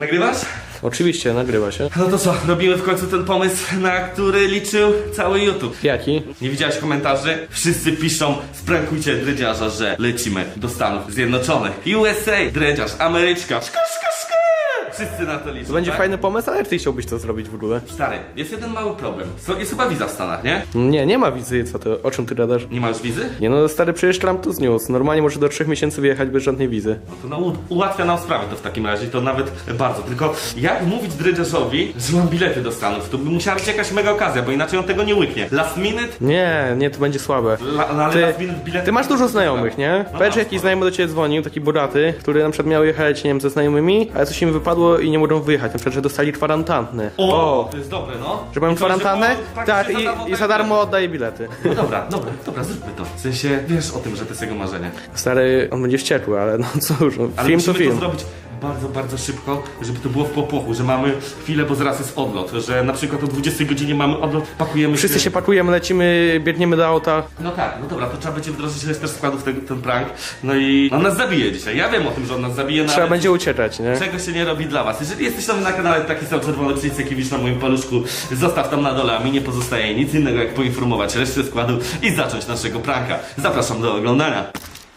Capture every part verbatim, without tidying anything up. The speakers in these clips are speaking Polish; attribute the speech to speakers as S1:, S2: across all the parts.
S1: Nagrywasz?
S2: Oczywiście, nagrywa się.
S1: No to co, robimy w końcu ten pomysł, na który liczył cały YouTube.
S2: Jaki?
S1: Nie widziałeś komentarzy? Wszyscy piszą, sprankujcie dredziarza, że lecimy do Stanów Zjednoczonych. U S A, dredziarz, Ameryczka, szka, szka, szka. Wszyscy na to liczą,
S2: To będzie
S1: tak?
S2: fajny pomysł, ale ty chciałbyś to zrobić w ogóle.
S1: Stary, jest jeden mały problem. So, jest chyba wiza w Stanach, nie?
S2: Nie, nie ma wizy, co ty, o czym ty gadasz?
S1: Nie masz wizy?
S2: Nie no, stary, przecież Trump to zniósł. Normalnie może do trzech miesięcy wyjechać bez żadnej wizy.
S1: No to no, u- ułatwia nam sprawę to w takim razie, to nawet bardzo. Tylko jak mówić dredziarzowi, że mam bilety do Stanów? To by musiała być jakaś mega okazja, bo inaczej on tego nie łyknie. Last minute?
S2: Nie, nie, to będzie słabe.
S1: La, no, ale
S2: Ty,
S1: last minute bilety...
S2: ty masz dużo znajomych, nie?
S1: No
S2: Powiedz,
S1: mam,
S2: jakiś
S1: no.
S2: znajomy do ciebie dzwonił, taki bogaty, który na przykład miał jechać, nie wiem, ze znajomymi, ale coś im wypadło i nie mogą wyjechać. Na przykład, że dostali kwarantannę.
S1: O, to jest dobre, no.
S2: Że mają
S1: I co,
S2: kwarantannę?
S1: po-
S2: Tak,
S1: praktycznie
S2: i, i
S1: tak
S2: za darmo oddaje bilety.
S1: No dobra, dobra, dobra, zróbmy to. W sensie, wiesz o tym, że to jest jego marzenie.
S2: Stary, on będzie wściekły, ale no cóż, no,
S1: Ale
S2: film to
S1: musimy
S2: film.
S1: to zrobić bardzo, bardzo szybko, żeby to było w popłochu, że mamy chwilę, bo zaraz jest odlot, że na przykład o dwudziestej godzinie mamy odlot, pakujemy
S2: Wszyscy
S1: się...
S2: się pakujemy, lecimy, biegniemy do auta.
S1: No tak, no dobra, to trzeba będzie wdrożyć resztę składów ten, ten prank. No i on nas zabije dzisiaj. Ja wiem o tym, że on nas zabije, no
S2: Trzeba
S1: ale
S2: będzie uciekać, nie?
S1: czego się nie robi dla was. Jeżeli jesteś nowy na kanale, taki sam czerwony przycisk, jaki widzisz na moim paluszku, zostaw tam na dole, a mi nie pozostaje nic innego, jak poinformować resztę składu i zacząć naszego pranka. Zapraszam do oglądania.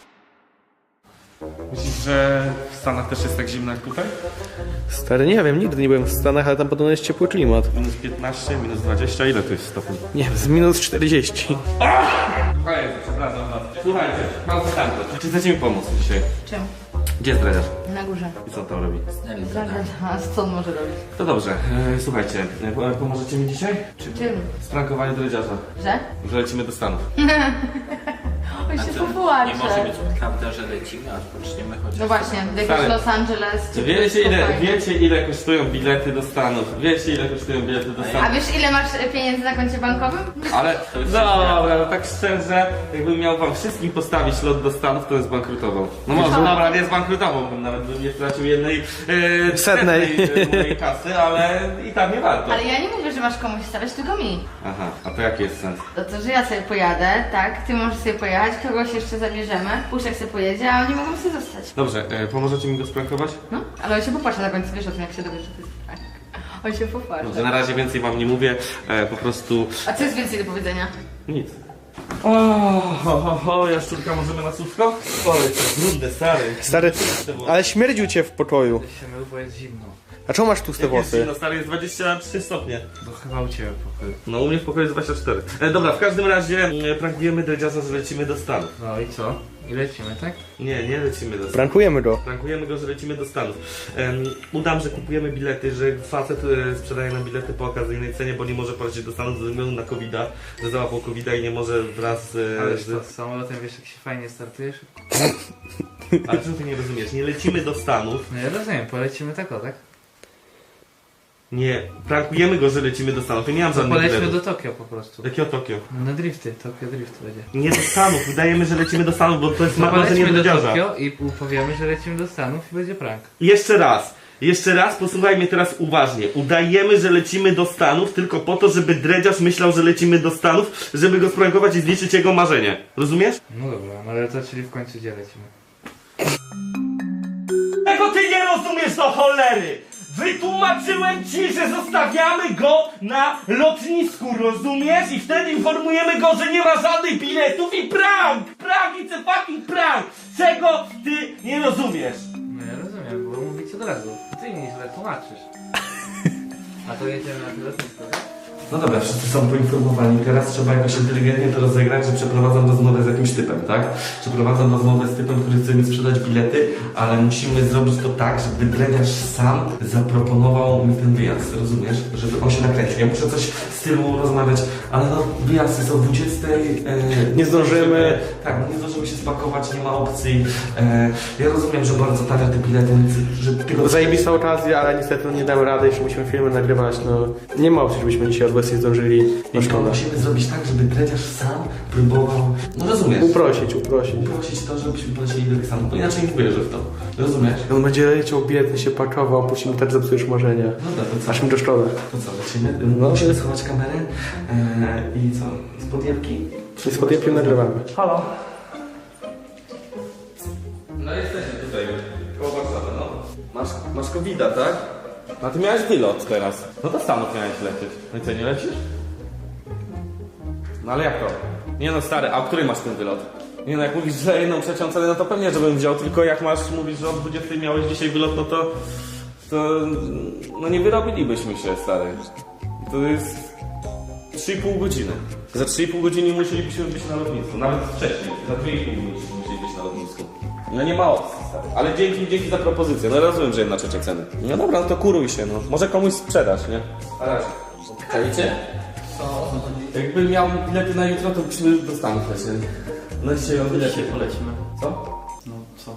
S1: Myślisz, że w Stanach też jest tak zimno jak tutaj?
S2: Stary, nie wiem, nigdy nie byłem w Stanach, ale tam podobno jest ciepły klimat.
S1: Minus piętnaście, minus dwadzieścia, ile to jest stopni?
S2: Nie wiem, z minus czterdzieści.
S1: Słuchajcie, przepraszam was. Słuchajcie, mam pytanie. Czy chcecie mi pomóc dzisiaj?
S3: Czym?
S1: Gdzie jest dredziarz?
S3: Na górze.
S1: I co on tam robi?
S3: A co on może robić?
S1: To dobrze, e, słuchajcie, e, po- pomożecie mi dzisiaj?
S3: Czym?
S1: Sprankowanie dredziarza,
S3: Że?
S1: że lecimy do Stanów.
S3: On się
S4: Nie
S3: popłacze.
S4: może być prawda, że lecimy, a odpoczniemy chociaż.
S3: No właśnie, w jakimś
S1: Stary.
S3: Los Angeles czy
S1: Wiecie ile,
S3: spokojnie.
S1: wiecie ile kosztują bilety do Stanów? Wiecie ile kosztują bilety do
S3: A
S1: Stanów?
S3: wiesz ile masz pieniędzy na koncie bankowym?
S1: Ale
S4: To już
S1: dobra, no tak szczerze, jakbym miał wam wszystkim postawić lot do Stanów, to bym zbankrutował. No może dobra, nie zbankrutował, bym nawet bym nie stracił jednej e,
S2: Setnej.
S1: setnej, e, mojej kasy, ale i tak nie warto.
S3: Ale ja nie mówię, że masz komuś stawiać, tylko mi.
S1: Aha, a to jaki jest sens?
S3: To to, że ja sobie pojadę, tak? Ty możesz sobie pojechać, kogoś jeszcze zabierzemy, Puszek sobie pojedzie, a oni mogą sobie zostać.
S1: Dobrze, e, pomożecie mi go sprankować?
S3: No, ale on się popłacze na końcu, wiesz o tym, jak się dowiesz, że to jest prank. On się popłacze.
S1: Dobrze, na razie więcej wam nie mówię, e, po prostu
S3: A co jest więcej do powiedzenia?
S1: nic. O, ho, ho, ho, jaszczurka, możemy na słówko? Oj, to brudne, stary.
S2: Stary, ale śmierdził cię w pokoju.
S4: się mył, bo jest zimno.
S2: A czemu masz tłuste
S1: Jest
S2: włosy?
S1: zimno, stary, jest dwadzieścia trzy stopnie.
S4: To chyba u ciebie pokoju.
S1: No u mnie w pokoju jest dwadzieścia cztery. E, dobra, w każdym razie e, prankujemy dredziarza, że lecimy do Stanów.
S4: No i co? I lecimy, tak?
S1: Nie, nie lecimy do Stanów.
S2: Prankujemy go.
S1: Prankujemy go, że lecimy do Stanów. Em, udam, że kupujemy bilety, że facet e, sprzedaje nam bilety po okazyjnej cenie, bo nie może polecieć do Stanów ze względu na kowida, że załapał kowida i nie może wraz e,
S4: Ale
S1: z...
S4: to z samolotem wiesz jak się fajnie startujesz?
S1: Ale czego ty nie rozumiesz? Nie lecimy do Stanów.
S4: No ja rozumiem, polecimy tak o, tak?
S1: Nie, prankujemy go, że lecimy do Stanów. Ja nie mam
S4: To
S1: żadnych
S4: polećmy
S1: biletów.
S4: do Tokio po prostu.
S1: Jakiego Tokio?
S4: No na drifty, Tokio drift będzie.
S1: Nie do Stanów, udajemy, że lecimy do Stanów, bo to jest
S4: No
S1: ma- marzenie
S4: polećmy do
S1: dredziarza.
S4: Tokio i powiemy, że lecimy do Stanów i będzie prank.
S1: Jeszcze raz, jeszcze raz, posłuchaj mnie teraz uważnie. Udajemy, że lecimy do Stanów tylko po to, żeby dredziarz myślał, że lecimy do Stanów, żeby go sprankować i zniszczyć jego marzenie. Rozumiesz?
S4: No dobra, no ale to czyli w końcu gdzie lecimy?
S1: Tego ty nie rozumiesz do cholery! Wytłumaczyłem ci, że zostawiamy go na lotnisku, rozumiesz? I wtedy informujemy go, że nie ma żadnych biletów i prank! Prank, it's a fucking prank! Czego ty nie rozumiesz?
S4: No ja rozumiem, bo mówić od razu. Ty mi źle tłumaczysz. A to jedziemy na lotnisko, tak?
S1: No dobra, wszyscy są poinformowani. Teraz trzeba jakoś inteligentnie to rozegrać, że przeprowadzam rozmowę z jakimś typem, tak? Przeprowadzam rozmowę z typem, który chce mi sprzedać bilety, ale musimy zrobić to tak, żeby dredziarz sam zaproponował mi ten wyjazd, rozumiesz? Żeby on się nakręcił. Ja muszę coś w stylu rozmawiać, ale no wyjazd jest o dwudziestej. E,
S2: Nie zdążymy.
S1: Tak, no nie zdążymy się spakować, nie ma opcji. E, ja rozumiem, że bardzo tanie te bilety, więc że tylko...
S2: Zajebista okazja, ale niestety no, nie damy rady, jeszcze musimy filmy nagrywać, no. Nie ma opcji, żebyśmy dzisiaj od nie zdążyli. No
S1: I to
S2: szkoda.
S1: musimy zrobić tak, żeby dredziarz sam próbował, no rozumiesz?
S2: Uprosić, uprosić.
S1: Uprosić to, żebyśmy polecieli do tych Stanów, bo inaczej nie wierzę w to. Rozumiesz?
S2: On będzie leciał biedny, się pakował, później mu też zepsujesz marzenia.
S1: Dobra, to co?
S2: Aż mi to szkoda.
S1: To co, lecimy?
S2: No.
S1: Musimy schować kamerę e, i co? Z podjebki?
S2: I z podjęciem nagrywamy.
S1: Halo? No jesteśmy tutaj, koło Warszawy, no. Masz, masz kowida, tak? No ty miałeś wylot teraz. No do Stanów miałeś lecieć. No i co, nie lecisz? No ale jak to? Nie no stary, a o której masz ten wylot? Nie no, jak mówisz, że jedną trzecią cenę, no to pewnie, żebym wziął, tylko jak masz, mówisz, że o dwudziestej miałeś dzisiaj wylot, no to... To... No nie wyrobilibyśmy się, stary. To jest... trzy i pół godziny. Za trzy i pół godziny musielibyśmy być na lotnisku, nawet wcześniej. Za dwie i pół godziny musieli być na lotnisku. No nie ma opcji, stary. Ale dzięki, dzięki za propozycję. No rozumiem, że jedna trzecia ceny. No dobra, no to kuruj się, no. Może komuś sprzedasz, nie? Na razie. Czajcie? Jakby miał bilety na jutro, to byśmy do Stanów lecieli. No dzisiaj o bilety.
S2: polecimy.
S1: Co?
S2: No co?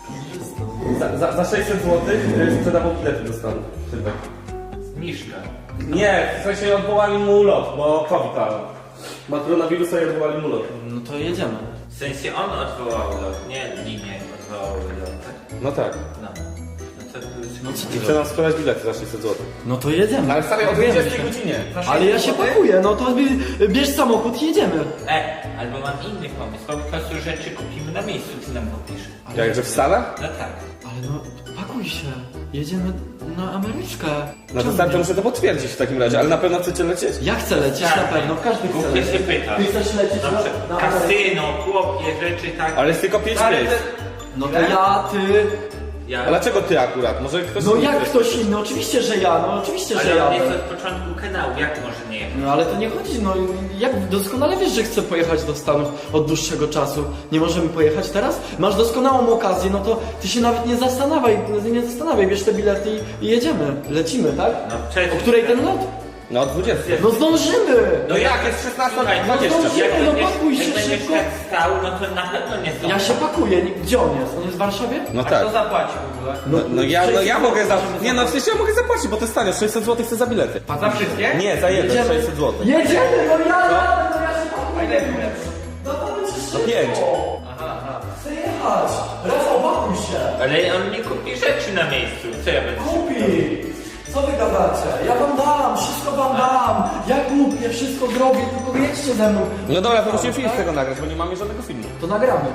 S1: Za, za, za sześćset złotych sprzedawał bilety do Stanów. Tylko.
S4: Zniżka.
S1: Nie, w sensie odwołali mu lot, bo COVID, ale... Ma koronawirusa i odwołali mu lot.
S2: No to jedziemy.
S4: W sensie on odwołał lot, nie linie odwołały lot, tak?
S1: No tak.
S4: No. No to
S2: No co
S1: I
S2: ty
S1: chce nam sprzedać bilety za sześćset złotych.
S2: No to jedziemy.
S1: Ale stary, o dwudziestej godzinie.
S2: Ale ja się pakuję, no to bie- bierz samochód i jedziemy.
S4: E, albo mam inny pomysł, po prostu rzeczy kupimy na miejscu, ty nam kupisz.
S1: Jakże w Stanach?
S4: No tak.
S2: Ale no, pakuj się. Jedziemy na Ameryczkę.
S1: No to
S2: Czemu
S1: stary, to
S2: nie?
S1: muszę to potwierdzić w takim razie, ale na pewno chcecie lecieć?
S2: Ja chcę lecieć na pewno, każdy chce
S4: Głupie się
S2: lecieć.
S4: pyta.
S2: Ty chcesz lecieć na,
S4: Dobrze,
S2: na Amerykę?
S4: kasyno, chłopie, rzeczy tak.
S1: Ale jest tylko pięć
S4: Ale
S1: miejsc.
S2: No to ja, ty...
S4: Ja...
S1: A dlaczego ty akurat? Może ktoś
S2: No
S1: inny
S2: jak
S1: chce?
S2: ktoś inny, oczywiście, że ja, no oczywiście, że
S4: Ale
S2: ja.
S4: on jest od początku kanału, jak może nie jechać?
S2: No ale to nie chodzi, no jak doskonale wiesz, że chcę pojechać do Stanów od dłuższego czasu. Nie możemy pojechać teraz? Masz doskonałą okazję, no to ty się nawet nie zastanawiaj, nie zastanawiaj, bierz te bilety i, i jedziemy, lecimy, tak?
S4: No przecież...
S2: O której ten lot?
S1: No o dwudziestej.
S2: No zdążymy!
S1: No jak, jest szesnasta
S4: Słuchaj,
S1: dwadzieścia.
S2: no
S4: Jak
S2: no
S4: będziesz,
S2: pakuj się
S4: jak będziesz
S2: szybko.
S4: tak stał, no to na pewno nie zdążysz.
S2: Ja się pakuję, nie- gdzie on jest? On jest w Warszawie?
S1: No
S4: A
S1: tak.
S4: kto zapłaci w ogóle?
S1: No, no ja, no ja mogę za...
S2: Możemy
S1: Nie no, w sensie ja mogę zapłacić, bo to jest tanio, sześćset złotych chcę za bilety.
S4: A za wszystkie?
S1: Nie, za jeden,
S2: Jedziemy.
S1: sześćset złotych.
S2: Jedziemy, no ja jadę, no ja się pakuję. No to będzie
S1: No
S2: szybko.
S1: pięć.
S2: Chcę jechać. Rafał, pakuj się.
S4: Ale on nie kupi rzeczy na miejscu, co ja będę...
S2: Kupi! Co wy gadacie? Ja wam dam, wszystko wam dam! Ja kupię, wszystko zrobię, tylko jedźcie ze mną.
S1: No dobra, to musimy film z tego nagrać, bo nie mamy żadnego filmu.
S2: To nagramy.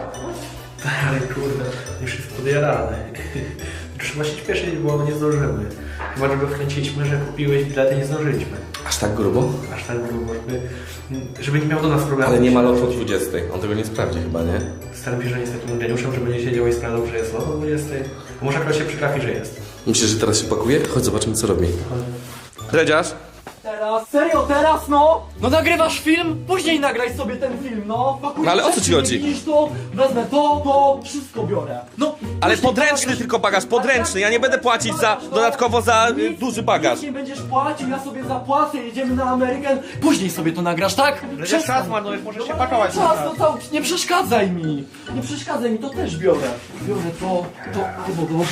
S5: Ale kurde, już jest podjarany. Trzeba się śpieszyć, bo nie zdążymy. Chyba, że go wkręciliśmy, że kupiłeś bilety, nie zdążyliśmy.
S1: Aż tak grubo?
S5: Aż tak grubo, żeby, żeby nie miał do nas problemu.
S1: Ale nie ma lotu o dwudziestej. On tego nie sprawdzi chyba, nie?
S5: Staram się, że nie jest takim geniuszem, że będzie siedział i sprawdzał, że jest lot o dwudziestej. A może akurat się przytrafi, że jest.
S1: Myślisz, że teraz się pakuje? Chodź, zobaczymy co robi. Dredziarz?
S2: Teraz? Serio, teraz no? No nagrywasz film? Później nagraj sobie ten film, no. Pakuj
S1: No ale o co
S2: rzeczy,
S1: ci chodzi?
S2: Widzisz to? Wezmę to, to, wszystko biorę. No.
S1: Ale
S2: później
S1: podręczny
S2: bagaż-
S1: tylko bagaż, podręczny. Ja nie będę płacić za dodatkowo za y,
S2: Nic-
S1: duży bagaż.
S2: Nic nie będziesz płacił, ja sobie zapłacę, jedziemy na Amerykę. Później sobie to nagrasz, tak?
S5: Przestań. Czas marnujesz, możesz się pakować.
S2: Czas, no to nie przeszkadzaj mi. Nie przeszkadzaj mi, to też biorę. Biorę to, to, to, to.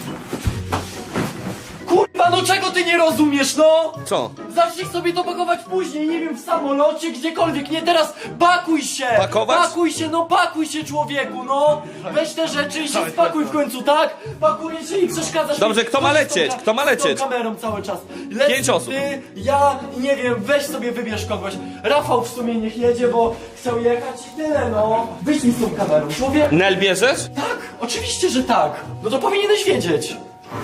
S2: Kurwa, no czego ty nie rozumiesz, no?
S1: Co?
S2: Zacznij sobie to pakować później, nie wiem, w samolocie, gdziekolwiek, nie teraz. Pakuj się!
S1: Pakować?
S2: Pakuj się, no pakuj się, człowieku, no! Weź te rzeczy i się spakuj w końcu, tak? Pakuję się i przeszkadzasz
S1: Dobrze,
S2: mi.
S1: kto ma
S2: Chodź z
S1: lecieć?
S2: tą ka-
S1: Kto ma
S2: z tą
S1: lecieć?
S2: kamerą cały czas. Leci
S1: Pięć osób.
S2: Ty, ja, nie wiem, weź sobie wybierz kogoś. Rafał w sumie niech jedzie, bo chciał jechać i tyle, no. Wyjdź mi z tą kamerą, człowiek.
S1: Nel bierzesz?
S2: Tak, oczywiście, że tak. No to powinieneś wiedzieć.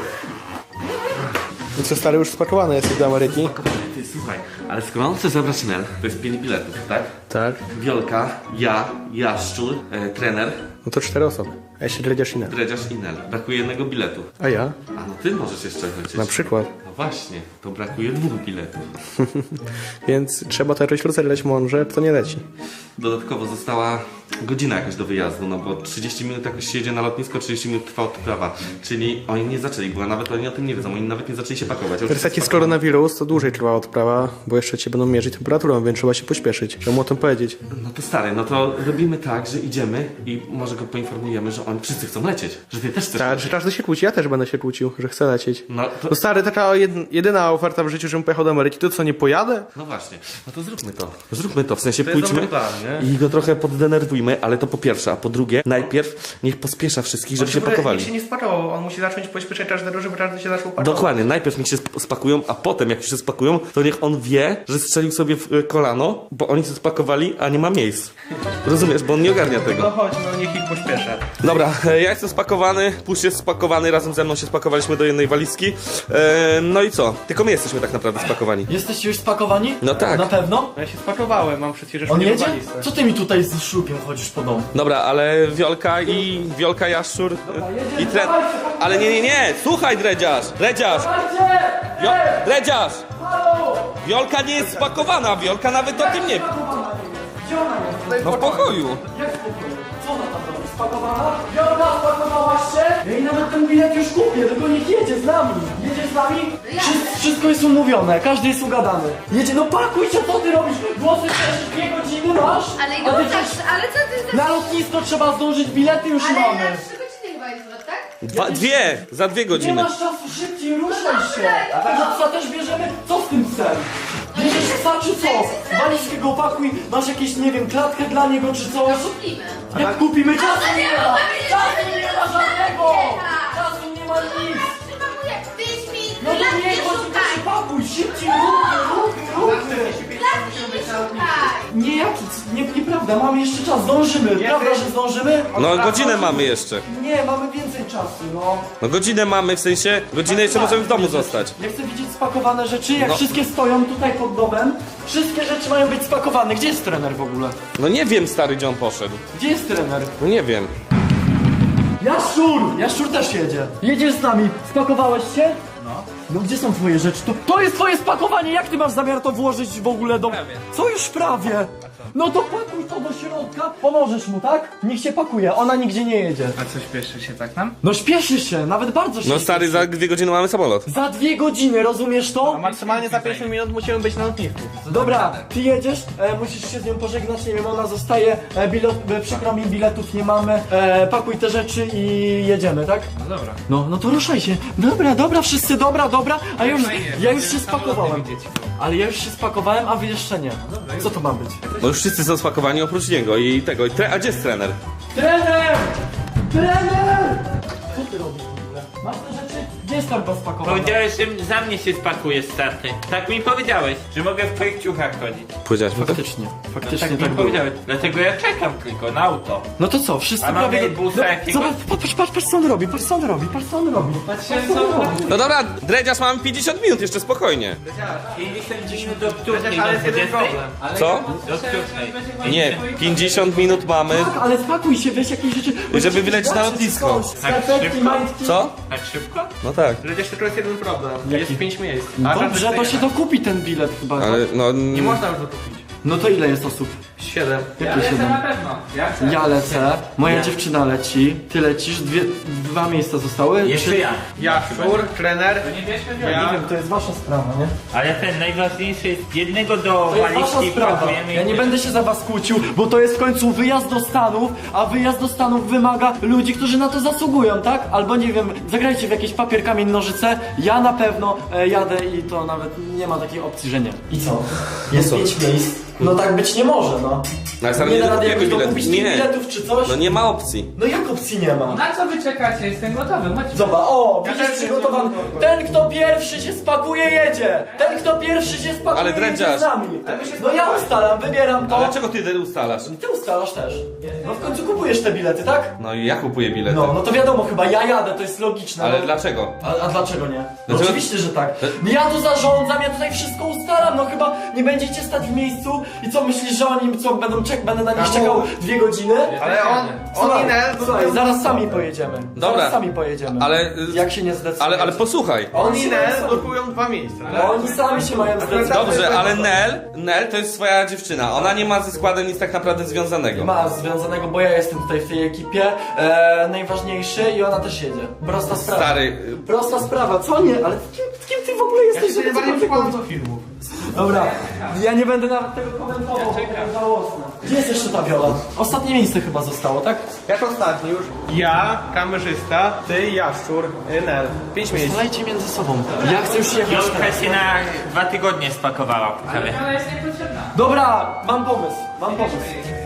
S6: I co, stary, już spakowany jesteś do Ameryki?
S1: Ty, słuchaj, ale skoro on chce zabrać Nel, to jest pięć biletów, tak?
S6: Tak.
S1: Wiolka, ja, Jaszczur, e, trener,
S6: No to cztery osoby. A jeszcze dredziarz inny.
S1: Dredziarz i Nel. Brakuje jednego biletu.
S6: A ja?
S1: A no ty możesz jeszcze lecieć.
S6: Na przykład.
S1: No właśnie, to brakuje dwóch biletów.
S6: Więc trzeba to jakoś rozerwać mądrze, to nie leci.
S1: Dodatkowo została godzina jakaś do wyjazdu, no bo trzydzieści minut jakoś się jedzie na lotnisko, trzydzieści minut trwa odprawa. Czyli oni nie zaczęli, bo nawet oni o tym nie wiedzą, oni nawet nie zaczęli się pakować.
S6: Teraz jak jest koronawirus, to dłużej trwa odprawa, bo jeszcze cię będą mierzyć temperaturą, więc trzeba się pośpieszyć. Trzeba mu o tym powiedzieć.
S1: No to stary, no to robimy tak, że idziemy i może go poinformujemy, że oni wszyscy chcą lecieć. Że ty też chcesz
S6: Tak,
S1: lecieć.
S6: że każdy się kłóci, ja też będę się kłócił, że chcę lecieć.
S1: No to...
S6: No stary, taka jed- jedyna oferta w życiu, żebym pojechał do Ameryki, to co, nie pojadę?
S1: No właśnie, no to zróbmy to. Zróbmy to, w sensie
S5: jest
S1: pójdźmy
S5: dobry plan, nie?
S1: i go trochę poddenerwujmy, ale to po pierwsze, a po drugie, najpierw niech pospiesza wszystkich, żeby się pakowali.
S5: Nikt się nie spakował, on musi zacząć pośpieszać każdego, żeby każdy się zaczął pakować.
S1: Dokładnie, najpierw niech się sp- spakują, a potem jak już się spakują, to niech on wie, że strzelił sobie w y, kolano, bo oni się spakowali, a nie ma miejsc. Rozumiesz, bo on nie ogarnia
S5: No
S1: tego.
S5: chodź, no niech ich pośpiesza.
S1: Dobra, Dobra, e, ja jestem spakowany, Pusz jest spakowany, razem ze mną się spakowaliśmy do jednej walizki. E, no i co? Tylko my jesteśmy tak naprawdę spakowani.
S2: Jesteście już spakowani?
S1: No tak.
S2: Na pewno?
S5: Ja się spakowałem, mam przecież
S2: On
S5: mnie
S2: jedzie?
S5: walizce.
S2: Co ty mi tutaj z szlupiem chodzisz po domu?
S1: Dobra, ale Wiolka i Wiolka Jaszczur i Tren... Ale nie, nie, nie! Słuchaj, Dredziarz! Dredziarz! Wio... Dredziarz! Wiolka nie jest spakowana, Wiolka nawet o tym nie...
S2: Gdzie ona jest?
S1: No w pokoju.
S2: Jak w pokoju? Co ona tam robi? Spakowana? Wiolka, spakowałaś się? Ja jej nawet ten bilet już kupię, tylko niech jedzie z nami. Jedzie z nami? Wszy- wszystko jest umówione, każdy jest ugadany. Jedzie, no pakuj się, co ty robisz? Głosy też dwie godziny masz?
S3: Ale
S2: A ty
S3: już tak,
S2: przecież
S3: ale co ty za...
S2: na lotnisko trzeba zdążyć, bilety już
S3: Ale
S2: mamy.
S3: na trzy godziny chyba jest zwrot, tak?
S1: Dwa, dwie! Za dwie
S2: Nie
S1: godziny.
S2: masz czasu, szybciej ruszaj się! A tego psa też bierzemy? Co z tym psem? Bierzesz psa czy co? Walizkę go opakuj, masz jakieś, nie wiem, klatkę dla niego czy coś?
S3: Kupimy.
S2: Jak kupimy czasu
S3: Ale
S2: nie
S3: nie
S2: ma!
S3: mamy
S2: Czasu nie ma żadnego!
S3: Nie.
S2: Czasu nie ma nic!
S3: Przypakuję pięć minut,
S2: No to
S3: lat
S2: nie,
S3: nie
S2: chodź,
S3: szukaj!
S2: to pakuj, szybciej, ruchy, ruchy, ruchy!
S3: Lat nie szukaj!
S2: Nie, jaki, nie, nieprawda, mamy jeszcze czas, zdążymy, prawda, że zdążymy?
S1: No godzinę mamy jeszcze.
S2: Nie, mamy więcej czasu, no.
S1: No godzinę mamy, w sensie godzinę jeszcze możemy w domu zostać.
S2: Ja chcę widzieć spakowane rzeczy, jak
S1: No.
S2: wszystkie stoją tutaj pod domem. Wszystkie rzeczy mają być spakowane. Gdzie jest trener w ogóle?
S1: No nie wiem, stary, gdzie on poszedł.
S2: Gdzie jest trener?
S1: No nie wiem.
S2: Jaszczur! Jaszczur też jedzie. Jedziesz z nami. Spakowałeś się? No. No gdzie są twoje rzeczy? To, to jest twoje spakowanie! Jak ty masz zamiar to włożyć w ogóle do...
S4: Prawie.
S2: Co już prawie? No to pakuj to do środka. Pomożesz mu, tak? Niech się pakuje, ona nigdzie nie jedzie.
S4: A co, śpieszy się tak nam?
S2: No śpieszy się, nawet bardzo się
S1: No stary,
S2: śpieszy.
S1: za dwie godziny mamy samolot.
S2: Za dwie godziny, rozumiesz to?
S5: A maksymalnie za pięć minut musimy być na lotnisku.
S2: Dobra, ty jedziesz, e, musisz się z nią pożegnać, nie wiem, ona zostaje, e, bilet, e, przykro mi, biletów nie mamy, e, pakuj te rzeczy i jedziemy, tak?
S4: No dobra.
S2: No, no to ruszaj się. Dobra, dobra, wszyscy, dobra, dobra, a ja już,
S4: Fajnie,
S2: ja już
S4: będziemy
S2: się spakowałem.
S4: samolot nie widzieć.
S2: Ale ja już się spakowałem, a wy jeszcze nie. Co to ma być?
S1: No już wszyscy są spakowani oprócz niego i tego. I tre... A gdzie jest trener?
S2: Trener! Trener! Co ty robisz w ogóle? Masz te rzeczy? Gdzie jest torba spakowana?
S7: Powiedziałeś, że za mnie się spakuje starty. Tak mi powiedziałeś, że mogę w twoich ciuchach chodzić.
S1: Powiedziałeś mu to?
S2: Faktycznie, faktycznie
S7: Tak
S2: tak,
S7: mi
S2: było.
S7: powiedziałeś. Dlatego ja czekam tylko na auto.
S2: No to co, wszyscy
S7: A mamy
S2: prawie...
S7: busa
S2: No,
S7: jakiegoś?
S2: zobacz, patrz, patrz, patrz co on robi, patrz co on robi, patrz co on robi. Patrz co on robi.
S1: No dobra, Dredziarz, mamy pięćdziesiąt minut jeszcze, spokojnie.
S7: pięćdziesiąt minut do której?
S5: Ale
S7: Do
S5: jest jeden
S7: dwudziestej?
S5: problem.
S1: Co?
S7: Do której?
S1: Nie, pięćdziesiąt minut mamy.
S2: Tak, ale spakuj się, weź jakieś rzeczy.
S1: Żeby wylecieć na lotnisko.
S2: Skarpetki,
S7: szybko?
S2: majtki.
S1: Co?
S7: Tak szybko?
S1: No tak.
S5: Przecież tylko jest jeden problem. Jest pięć miejsc. A
S2: Dobrze,
S5: żadnych
S2: to się
S5: nie ma.
S2: dokupi ten bilet chyba.
S1: Ale no...
S5: Nie można już dokupić.
S2: No to ile jest osób?
S5: Siedem.
S2: Jakie siedem?
S4: Na pewno. Ja chcę.
S2: Ja lecę, moja dziewczyna leci, ty lecisz, dwie, dwa miejsca zostały.
S7: Jeszcze
S2: Czy-
S7: ja.
S5: Ja, Szur, trener.
S4: Nie bierzmy
S2: Ja nie wiem, to jest wasza sprawa, nie?
S7: Ale ten najważniejszy jest jednego do
S2: To jest wasza
S7: walizki
S2: sprawa.
S7: pakujemy.
S2: Ja
S7: i
S2: nie
S7: tyle.
S2: będę się za was kłócił, bo to jest w końcu wyjazd do Stanów, a wyjazd do Stanów wymaga ludzi, którzy na to zasługują, tak? Albo nie wiem, zagrajcie w jakieś papier, kamień, nożyce. Ja na pewno e, jadę i to nawet nie ma takiej opcji, że nie. I co? Jest
S1: co?
S2: pięć miejsc. No tak być nie może, no.
S1: Ale stary,
S2: Nie
S1: nie
S2: da rady
S1: dokupujemy
S2: jakoś
S1: bilet.
S2: dokupić tych
S1: Nie.
S2: biletów czy coś?
S1: No nie ma opcji.
S2: No jak opcji nie ma?
S4: Na co wy czekacie? Jestem gotowy, chodźmy.
S2: Zobacz, o,
S5: Ja
S2: widzisz
S5: też
S2: przygotowany.
S5: jestem
S2: Ten, kto pierwszy się spakuje, jedzie. Ten, kto pierwszy się spakuje,
S1: Ale
S2: jedzie
S1: drędziarz.
S2: z nami. No ja ustalam, wybieram
S1: A
S2: to.
S1: dlaczego ty wtedy ustalasz?
S2: Ty ustalasz też. No w końcu kupujesz te bilety, tak?
S1: No i ja kupuję bilety.
S2: No, no to wiadomo, chyba ja jadę, to jest logiczne.
S1: Ale
S2: no.
S1: dlaczego?
S2: A, a dlaczego nie? No
S1: Dlaczego?
S2: oczywiście, że tak. Ja tu zarządzam, ja tutaj wszystko ustalam, no chyba nie będziecie stać w miejscu i co myślisz, że oni co będą czek, będę na nich
S5: Kamu?
S2: czekał dwie godziny?
S5: Ale on, on
S2: Słuchaj,
S5: i Nel
S2: słuchaj, zaraz sami pojedziemy.
S1: Dobra.
S2: Zaraz sami pojedziemy.
S1: Ale...
S2: Jak się nie zdecydujecie?
S1: Ale, ale posłuchaj.
S5: On i
S2: się
S5: Nel
S2: sami-
S5: blokują dwa miejsca.
S2: No, oni sami się mają zdecydować.
S1: Dobrze, ale Nel, Nel to jest swoja dziewczyna. Ona nie ma ze składem nic tak naprawdę związanego.
S2: Ma związanego, bo ja jestem tutaj w tej ekipie e, najważniejszy i ona też jedzie. Prosta sprawa.
S1: Stary,
S2: Prosta sprawa, co nie? Ale kim, kim ty w ogóle
S5: Ja
S2: jesteś,
S5: się
S2: żeby
S5: najbardziej
S2: cokolwiek
S5: przykładam
S2: mówić?
S5: do filmów.
S2: Dobra, ja nie będę nawet tego komentował, bo to jest żałosne. Gdzie jest jeszcze ta Viola? Ostatnie miejsce chyba zostało, tak?
S5: Jak ostatni już? Ja, kamerzysta, ty, Jaszczur, y, Nel. Pięć miejsc.
S2: Strzelajcie między sobą. Ja chcę już jechać
S7: Jolka
S2: teraz.
S7: się na dwa tygodnie spakowała. Ale
S4: Ona jest niepotrzebna.
S2: Dobra, mam pomysł, mam pomysł.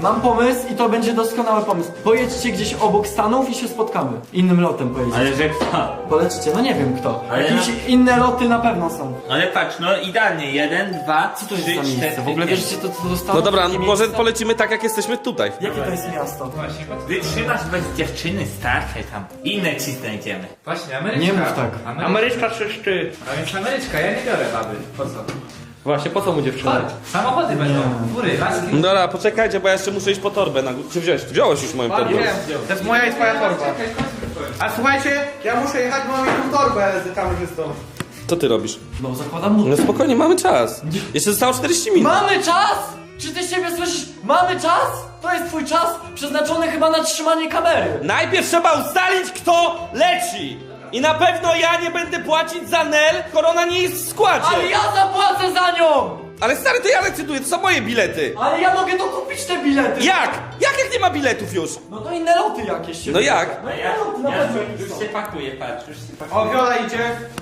S2: mam pomysł i to będzie doskonały pomysł. Pojedźcie gdzieś obok Stanów i się spotkamy. Innym lotem pojedziecie.
S7: Ale że kto?
S2: Polecicie, no nie wiem kto.
S7: Ale
S2: Jakieś
S7: no-
S2: inne loty na pewno są.
S7: Ale patrz, no idealnie. Jeden, dwa,
S2: Co to jest
S7: trzy,
S2: za miejsce?
S7: cztery,
S2: W ogóle
S7: pięć.
S2: wiesz, gdzie to, to zostało?
S1: No dobra,
S2: Takie
S1: może
S2: miejsce?
S1: polecimy tak jak jesteśmy tutaj.
S2: Jakie to jest miasto?
S7: Wytrzymasz bez dziewczyny, starczaj tam. Inne ci znajdziemy.
S4: Właśnie, Ameryczka.
S2: Nie mów tak.
S4: Ameryczka czy szty? A więc Ameryczka, ja nie biorę baby. Po co?
S6: Właśnie, po co mu dziewczyna?
S4: Chodź, samochody będą. Góry, laski.
S1: No dobra, poczekajcie, bo ja jeszcze muszę iść po torbę na górę. Czy wziąłeś? Wziąłeś już moją torbę.
S5: To jest moja i twoja torba. A słuchajcie, ja muszę jechać, bo mam jedną torbę z kamerzystą.
S1: Co ty robisz?
S2: No zakładam mu.
S1: No spokojnie, mamy czas. Jeszcze zostało czterdzieści minut.
S2: Mamy czas! Czy ty siebie słyszysz? Mamy czas? To jest twój czas przeznaczony chyba na trzymanie kamery.
S1: Najpierw trzeba ustalić, kto leci. I na pewno ja nie będę płacić za Nel, skoro ona nie jest w składzie.
S2: Ale ja zapłacę za nią!
S1: Ale stary, to ja decyduję, to są moje bilety.
S2: Ale ja mogę dokupić te bilety!
S1: Jak? Jak jak nie ma biletów już?
S2: No to inne loty jakieś się...
S1: No jak?
S2: No
S7: A
S2: inne
S7: ja,
S2: loty na
S7: ja
S2: pewno
S7: już,
S2: jakieś
S7: już
S2: są.
S7: się pakuję, patrz, już się pakuję.
S5: O, Viola idzie.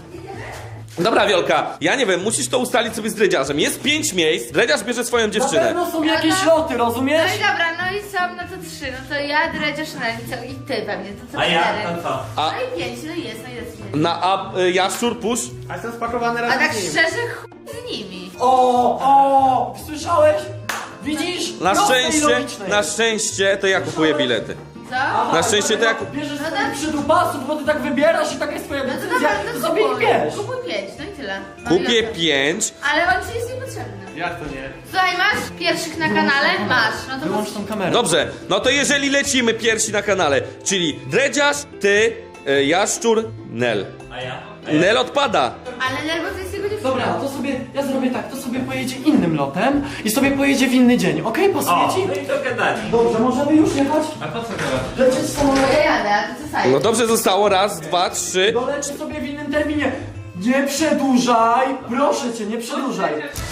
S1: Dobra, Wiolka, ja nie wiem, musisz to ustalić sobie z dredziarzem. Jest pięć miejsc, dredziarz bierze swoją
S2: Na
S1: dziewczynę.
S2: pewno są jakieś loty,
S3: No
S2: rozumiesz?
S3: i dobra, no i są, no to trzy, no to ja, Dredziarz, no i ty pewnie, to co
S7: A ja?
S3: cztery.
S7: To co?
S1: A-
S3: No i pięć, no i jest, no i jest.
S1: Na a y, jaszczur, pusz.
S5: A jestem spakowany
S3: A
S5: razem
S3: tak
S5: z nim.
S3: szczerze, chuj z nimi.
S2: O, o, słyszałeś? Widzisz?
S1: Na
S2: Proste i
S1: szczęście,
S2: logiczne
S1: na
S2: jest.
S1: szczęście to ja kupuję bilety.
S3: Co?
S1: Na szczęście to ja kup...
S2: Bierzesz
S3: No
S2: sobie
S3: tak.
S2: przydupasów, bo ty tak wybierasz i taka jest twoja
S3: No to
S2: decyzja,
S3: dobra,
S2: to
S3: to
S2: sobie ich
S3: kupuj.
S2: bierz.
S3: Kupuj pięć, no i tyle. No i
S1: Kupię
S3: okej.
S1: pięć.
S3: Ale on ci jest niepotrzebny.
S5: Jak to nie?
S3: Słuchaj, masz pierwszych na kanale? Masz, no to
S2: Wyłącz tą kamerę.
S1: Dobrze, no to jeżeli lecimy pierwsi na kanale, czyli dredziarz, ty, y, jaszczur, Nel.
S7: A ja? A ja?
S1: Nel odpada.
S3: Ale nerwo to jest jego dziewczyna.
S2: Dobra, to sobie, ja zrobię tak, to sobie pojedzie innym lotem i sobie pojedzie w inny dzień, okej? Pasuje
S7: O,
S2: ci?
S7: no i dogadali.
S2: Dobrze, możemy już jechać?
S4: A po co teraz?
S2: Lecieć
S3: No
S2: samolotem?
S3: ja jadę, a ty co sajesz?
S1: No dobrze, zostało raz, dwa, trzy.
S2: Doleci sobie w innym terminie. Nie przedłużaj! Proszę cię, nie przedłużaj.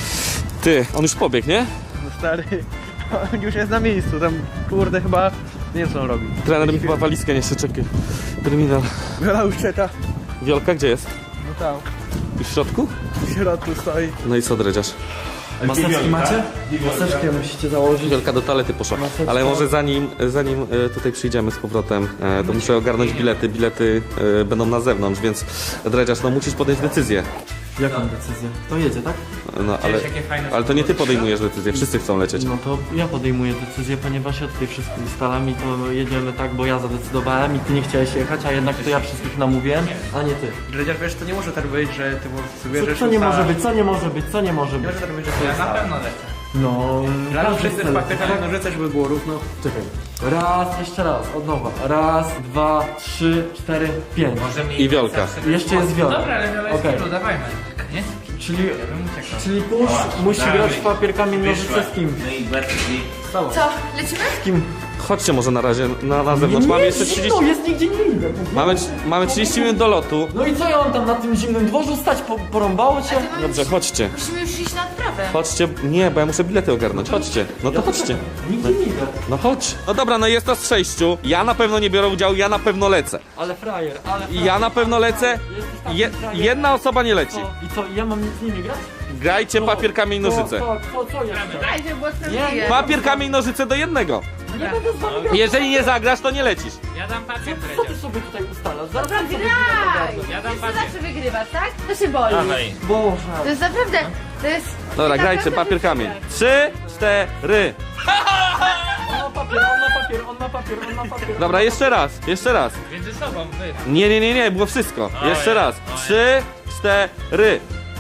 S1: Ty, on już pobiegł, nie?
S5: No stary, on już jest na miejscu, tam kurde chyba nie wiem co on robi.
S1: Trener mi chyba walizkę nie chce, czekaj. Terminal.
S5: Viola już czeka.
S1: Wiolka, gdzie jest?
S5: No tam,
S1: Już w środku?
S5: w środku stoi.
S1: No i co, dredziarz?
S2: Maseczki macie? Maseczkę musicie założyć.
S1: Wielka do toalety poszła. Ale może zanim, zanim e, tutaj przyjdziemy z powrotem, e, to muszę ogarnąć bilety. Bilety e, będą na zewnątrz, więc dredziarz, no musisz podjąć decyzję.
S2: Jaką decyzję? To jedzie, tak?
S1: No ale,
S4: Wiesz, jakie fajne
S1: ale to nie ty podejmujesz decyzję, wszyscy chcą lecieć.
S2: No to ja podejmuję decyzję, ponieważ ja tutaj wszystko ustalam i to jedziemy tak, bo ja zadecydowałem i ty nie chciałeś jechać, a jednak to ja wszystkich namówiłem, a nie ty.
S5: Dredziarz, wiesz, to nie może tak być, że ty sobie
S2: Co,
S5: bierzesz
S2: co nie
S5: ustala-
S2: może być, co nie może być, co nie może
S5: Nie
S2: być?
S5: może tak być, że ty
S4: Ja na
S5: ustala.
S4: pewno lecę.
S2: No...
S5: Razem
S2: każdy
S5: wszyscy z
S2: chce
S5: papierami
S2: lecieć, tak?
S5: nożyce, żeby było równo.
S2: Czekaj. Raz, jeszcze raz, od nowa. Raz, dwa, trzy, cztery, pięć.
S7: Możemy
S1: I Wiolka.
S2: Jeszcze jest Wiolka.
S4: Dobra, ale Viola jest
S2: Okej.
S4: okay. dawajmy. Nie?
S2: Czyli,
S4: Ja bym uciekał.
S2: czyli pusz musi
S7: Dawaj.
S2: grać w papier, kamień, nożyce z kim?
S7: No i bardziej.
S2: Stało.
S3: Co, lecimy?
S2: Z kim?
S1: Chodźcie może na razie na, na zewnątrz. Mamy jeszcze
S2: zimno,
S1: trzydzieści...
S2: jest nigdzie nie idę.
S1: Mamy, mamy trzydzieści minut do lotu.
S2: No i co ja mam tam na tym zimnym dworzu stać? Po, porąbało cię?
S1: Dobrze, chodźcie.
S3: Musimy już iść na odprawę.
S1: Chodźcie. Nie, bo ja muszę bilety ogarnąć. Chodźcie. No to chodźcie.
S2: Nigdzie nie idę.
S1: No chodź. No dobra, no jest nas sześciu. Ja na pewno nie biorę udziału, ja na pewno lecę.
S2: Ale frajer, ale
S1: I
S2: frajer.
S1: ja na pewno lecę.
S2: Jesteś taki
S1: Je,
S2: frajer.
S1: jedna osoba nie leci.
S2: Co? I co, ja mam z nimi grać?
S1: Grajcie papier, kamień, nożyce.
S2: Co, co, co, co jeszcze?
S3: Daj, żeby było sprawiedliwe.
S1: Papier, kamień, nożyce do jednego.
S2: Nie będę z wami grać.
S1: Jeżeli nie zagrasz, to nie lecisz.
S4: Ja dam papier,
S2: Co ty sobie tutaj ustalasz? Zaraz
S3: Dobra,
S2: sam sobie
S3: graj!
S2: bilet
S4: Ja dam
S3: Ty
S4: papier.
S3: zawsze wygrywasz, tak? To się boli.
S7: Dawaj.
S2: Boże.
S3: To jest naprawdę, to jest...
S1: Dobra,
S3: to
S1: grajcie
S3: naprawdę
S1: papier, kamień.
S3: wysiłek.
S1: Trzy, cztery.
S2: On ma papier, on ma papier, on ma papier, on ma papier.
S1: Dobra, jeszcze raz, jeszcze raz.
S4: Między sobą, wy.
S1: Nie, nie, nie, nie, było wszystko. Jeszcze raz. Trzy, cztery.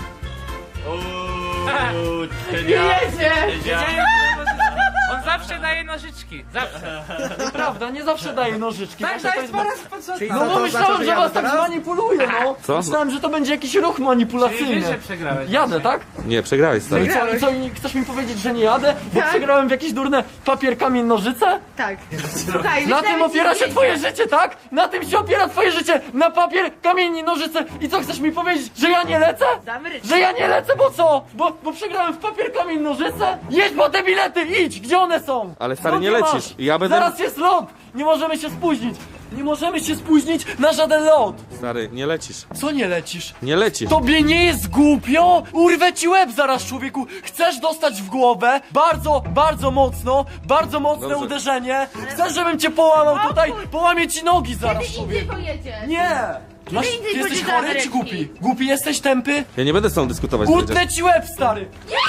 S7: Uuu,
S3: Jedzie!
S4: On zawsze daje nożyczki. Zawsze.
S2: Prawda, nie zawsze daje nożyczki.
S4: Tak,
S2: zawsze
S4: to jest po raz po co?
S5: Czyli
S2: No
S5: co,
S2: bo
S5: to
S2: myślałem,
S5: oznacza,
S2: że
S5: ja
S2: was tak
S5: teraz?
S2: zmanipuluje, no.
S1: Co?
S2: Myślałem, że to będzie jakiś ruch
S4: Czyli
S2: manipulacyjny.
S4: wiesz, że przegrałeś.
S2: Jadę, tak?
S1: Nie, przegrałeś,
S2: No i
S1: stary.
S2: co, i co, i chcesz mi powiedzieć, że nie jadę? Bo
S3: Tak.
S2: przegrałem w jakieś durne papier, kamień, nożyce?
S3: Tak. Słuchaj,
S2: Na
S3: wyślemy
S2: tym
S3: ci
S2: opiera się
S3: zdjęcia.
S2: twoje życie, tak? Na tym się opiera twoje życie! Na papier, kamień i nożyce! I co, chcesz mi powiedzieć, że ja nie lecę?
S3: Damy rycz.
S2: Że ja nie lecę, bo co? Bo, bo przegrałem w papier, kamień, nożyce? Jedź po te bilety, idź! Gdzie one są?
S1: Ale stary,
S2: Skąd
S1: nie
S2: je
S1: lecisz.
S2: masz?
S1: Ja będę-
S2: Zaraz jest lot! Nie możemy się spóźnić! Nie możemy się spóźnić na żaden lot!
S1: Stary, nie lecisz.
S2: Co nie lecisz?
S1: Nie lecisz.
S2: Tobie nie jest głupio? Urwę ci łeb zaraz, człowieku! Chcesz dostać w głowę? Bardzo, bardzo mocno, bardzo mocne
S1: Dobrze.
S2: uderzenie. Chcesz, żebym cię połamał tutaj? Połamię ci nogi zaraz,
S3: Kiedy indziej
S2: człowieku.
S3: pojedziesz?
S2: Nie! Masz,
S3: indziej
S2: ty jesteś
S3: pójdziesz do
S2: chory czy
S3: Ameryki.
S2: głupi? Głupi jesteś, tępy?
S1: Ja nie będę z tobą dyskutować, Dredziarz.
S2: Utnę ci łeb, stary!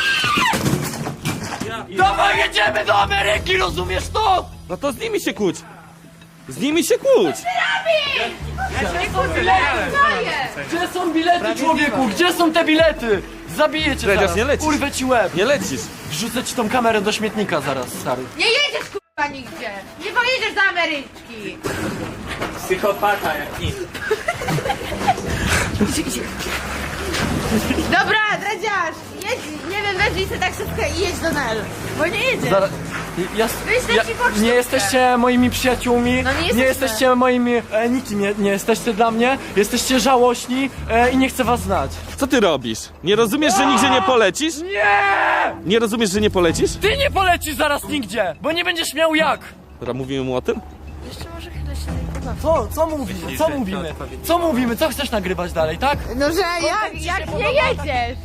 S2: Dawaj, jedziemy do Ameryki, rozumiesz to?
S1: No to z nimi się kłóć. Z nimi się kłóć.
S2: Gdzie są bilety, człowieku? Gdzie są te bilety? Zabiję cię
S1: Dredziarz,
S2: zaraz.
S1: nie lecisz.
S2: Urwę ci łeb.
S1: Nie lecisz.
S2: Wrzucę ci tą kamerę do śmietnika zaraz, stary.
S3: Nie jedziesz kurwa nigdzie! Nie pojedziesz do Ameryczki!
S7: Psychopata jak nic.
S3: Dobra, Dredziarz, jedź, nie wiem, weźmij sobie taksówkę i jedź do Nel. Bo nie jedziesz.
S2: Zaraz. Ja,
S3: Wyślę
S2: ja,
S3: ci pocztówkę.
S2: nie jesteście moimi przyjaciółmi,
S3: No nie
S2: nie
S3: jesteśmy.
S2: jesteście moimi, e, nikim nie, nie jesteście dla mnie, jesteście żałośni e, i nie chcę was znać.
S1: Co ty robisz? Nie rozumiesz, że nigdzie nie polecisz?
S2: Nie!
S1: Nie rozumiesz, że nie polecisz?
S2: Ty nie polecisz zaraz nigdzie, bo nie będziesz miał jak.
S1: Dobra, mówimy mu o tym?
S3: Jeszcze może chwilę się nie pobawię.
S2: Co, co mówimy, co mówimy, co mówimy, co chcesz nagrywać dalej, tak?
S3: No, że jak,
S2: ci
S3: jak
S2: się
S3: nie
S2: podoba?
S3: jedziesz?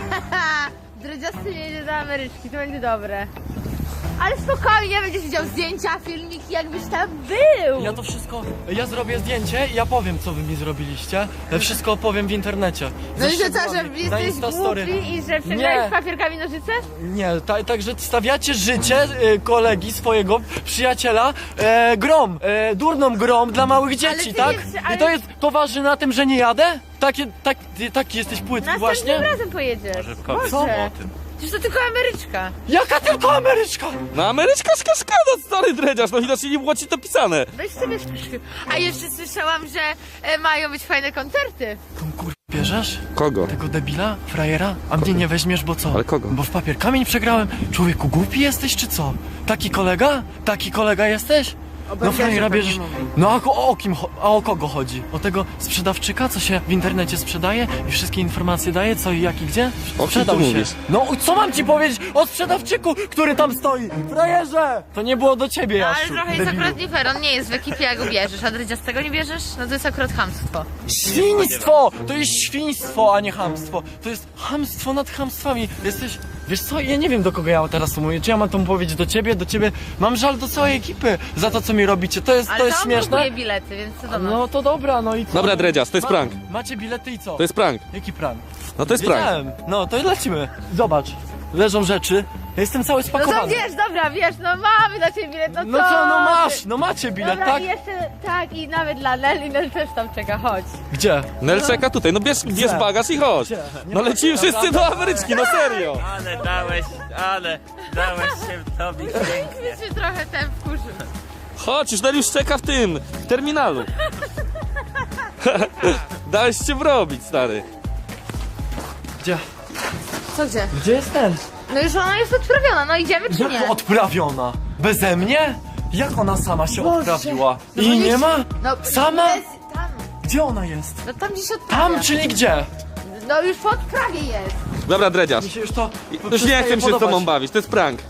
S3: Dredziasty jedzie do Ameryczki, to będzie dobre. Ale spokojnie, będziesz widział zdjęcia, filmiki, jakbyś tam był.
S2: Ja to wszystko, ja zrobię zdjęcie i ja powiem, co wy mi zrobiliście. Ja wszystko opowiem w internecie.
S3: No
S2: Ze
S3: i że co, że
S2: szczegółami, na
S3: jesteś
S2: Instastory.
S3: głupi i że
S2: Nie.
S3: przegrałeś papierkami nożyce?
S2: Nie, ta, także stawiacie życie e, kolegi, swojego przyjaciela e, grom, e, durną grom dla małych dzieci,
S3: ty
S2: tak?
S3: nie- ale-
S2: I to jest, to waży na tym, że nie jadę? Takie, tak, ty, taki jesteś płytki
S3: Następnym
S2: właśnie?
S3: razem pojedziesz.
S7: powiedz
S2: Co?
S7: mu o tym.
S3: Przecież to tylko Ameryczka.
S2: Jaka tylko Ameryczka?
S1: No Ameryczka szkaszkada, stary Dredziarz, no widocznie nie było ci to pisane.
S3: Weź sobie szpryszki. A jeszcze słyszałam, że e, mają być fajne koncerty.
S2: Tą kur... bierzesz?
S1: Kogo?
S2: Tego debila? Frajera? A mnie nie weźmiesz, bo co?
S1: Ale kogo?
S2: Bo w papier kamień przegrałem. Człowieku, głupi jesteś, czy co? Taki kolega? Taki kolega jesteś? No frajera bierzesz... No a o, o kim, cho- a o kogo chodzi? O tego sprzedawczyka, co się w internecie sprzedaje i wszystkie informacje daje, co i jak i gdzie?
S1: O kim
S2: Sprzedał
S1: ty
S2: się.
S1: mówisz?
S2: No co mam ci powiedzieć o sprzedawczyku, który tam stoi? Frajerze! To nie było do ciebie,
S3: No,
S2: Jasiu.
S3: ale trochę jest
S2: debilu.
S3: akurat nie fair, on nie jest w ekipie, jak go bierzesz, a Dredziastego nie bierzesz? No to jest akurat chamstwo.
S2: Świństwo! To jest świństwo, a nie chamstwo. To jest chamstwo nad chamstwami. Jesteś... Wiesz co, ja nie wiem, do kogo ja teraz to mówię. Czy ja mam to powiedzieć do ciebie, do ciebie? Mam żal do całej ekipy za to, co mi robicie. To jest,
S3: Ale
S2: to jest
S3: on
S2: śmieszne.
S3: kupuje bilety, więc co do nas?
S2: No to dobra, no i co?
S1: Dobra, Dredziarz, to jest
S2: Ma-
S1: prank.
S2: Macie bilety i co?
S1: To jest prank.
S2: Jaki prank?
S1: No to jest prank.
S2: Wiedziałem. No to lecimy. Zobacz. Leżą rzeczy. Ja jestem cały
S3: No
S2: spakowany.
S3: to wiesz, dobra, wiesz, no mamy dla ciebie bilet, no co?
S2: No co, no masz,
S3: ty?
S2: no macie bilet,
S3: Dobra,
S2: tak?
S3: i jeszcze, tak, i nawet dla Nel, i Nel też tam czeka, chodź.
S2: Gdzie?
S1: Nel czeka tutaj, no bierz, bierz bagaż i chodź.
S2: Gdzie? Nie
S1: No
S2: ma-
S1: lecimy wszyscy do Ameryczki, no serio.
S7: Ale dałeś, ale dałeś się tobie pięknie.
S3: Więc się trochę ten wkurzył.
S1: Chodź, już Nel już czeka w tym, w terminalu. Dałeś się wrobić, stary.
S2: Gdzie?
S3: Co gdzie?
S2: Gdzie jest ten?
S3: No już ona jest odprawiona, no idziemy czy nie?
S2: Jak odprawiona? Beze mnie? Jak ona sama się
S3: Boże.
S2: odprawiła?
S3: No
S2: I
S3: bo
S2: nie
S3: jest-
S2: ma?
S3: No,
S2: Sama?
S3: Jest, tam,
S2: Gdzie ona jest?
S3: no tam gdzieś odprawia.
S2: Tam, czyli gdzie?
S3: No już po odprawie jest.
S1: Dobra, Dredziarz.
S2: Mi się już to
S1: Już nie chcę się z tobą bawić, to jest prank.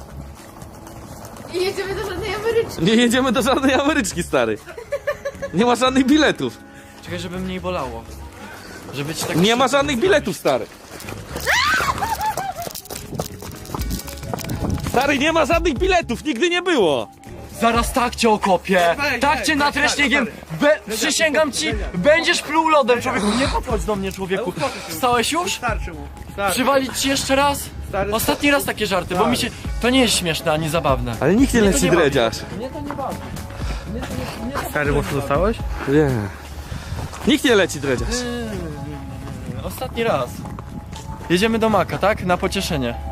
S3: I jedziemy do żadnej Ameryczki.
S1: Nie jedziemy do żadnej Ameryczki, stary. Nie ma żadnych biletów.
S2: Czekaj, żeby mnie nie bolało. Żeby ci tak...
S1: Nie ma żadnych biletów, stary. Stary, nie ma żadnych biletów, nigdy nie było.
S2: Zaraz tak cię okopię, tak cię natreśniegiem, Be... przysięgam ci, będziesz pluł lodem, człowieku, nie podchodź do mnie, człowieku. Wstałeś już?
S5: Starczy mu. Starczy.
S2: Przywalić ci jeszcze raz?
S5: Stary,
S2: Ostatni raz takie żarty, bo mi się... To nie jest śmieszne, ani zabawne.
S1: Ale nikt nie
S2: Mnie to
S1: leci,
S2: nie bawi.
S1: Dredziarz.
S2: Mnie to nie bawi. Mnie to nie, mnie to
S5: Stary, mocno dostałeś?
S1: Nie. Nikt nie leci, Dredziarz.
S2: Ostatni raz. Jedziemy do Maka, tak? Na pocieszenie.